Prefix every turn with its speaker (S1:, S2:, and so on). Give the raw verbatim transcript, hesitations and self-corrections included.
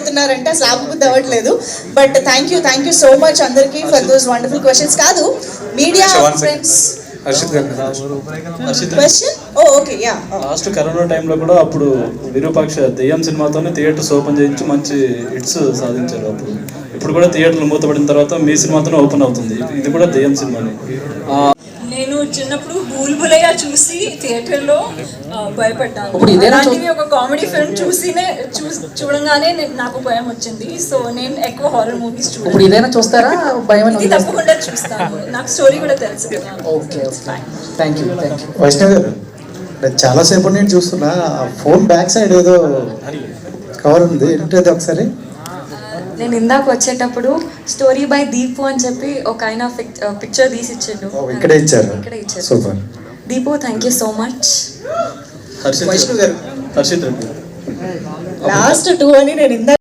S1: అడుగుతున్నారంటే అసలు ఆపబుద్ధి అవ్వట్లేదు. But thank you thank you so much అందరికీ ఫర్ దోస్ వండర్ఫుల్ క్వశ్చన్స్. కాదు media friends question oh okay yeah
S2: last corona టైంలో కూడా అప్పుడు విరూపాక్ష దెయ్యం సినిమాతోనే థియేటర్స్ ఓపెన్ చేయించి మంచి హిట్స్ సాధించారు. అప్పుడు ఇప్పుడు కూడా థియేటర్లు మూతపడిన తర్వాత మీ సినిమాతోనే ఓపెన్ అవుతుంది. ఇది కూడా దెయ్యం సినిమానే.
S3: నేను చిన్నప్పుడు బూల్ బులయ్య చూసి థియేటర్లో భయపడ్డాను. అలాంటివి ఒక కామెడీ ఫిల్మ్ చూసినే చూ చూడంగానే నాకు భయం వచ్చింది. సో నేను ఎక్కువ హారర్ మూవీస్ చూడాలి.
S4: ఇదేనా చూస్తారా భయం?
S3: ఇది తప్పకుండా చూస్తాను. నాకు స్టోరీ కూడా తెలుసు.
S4: Okay thank you thank you.
S5: Vaishnav garu, చాలాసేపు నేను చూస్తున్నా ఫోన్ బ్యాక్ సైడ్ ఏదో కవర్ ఉంది, ఏంటది ఒకసారి?
S6: నేను ఇందాక వచ్చేటప్పుడు స్టోరీ బై దీపు అని చెప్పి ఒక ఆయన పిక్చర్ తీసి ఇచ్చిండు.
S5: ఇక్కడే ఇచ్చారు.
S6: ఇక్కడే ఇచ్చారు.
S5: Super
S6: Deepu, thank you so much.
S2: Harshit Harshit
S1: last two అని నేను ఇందాక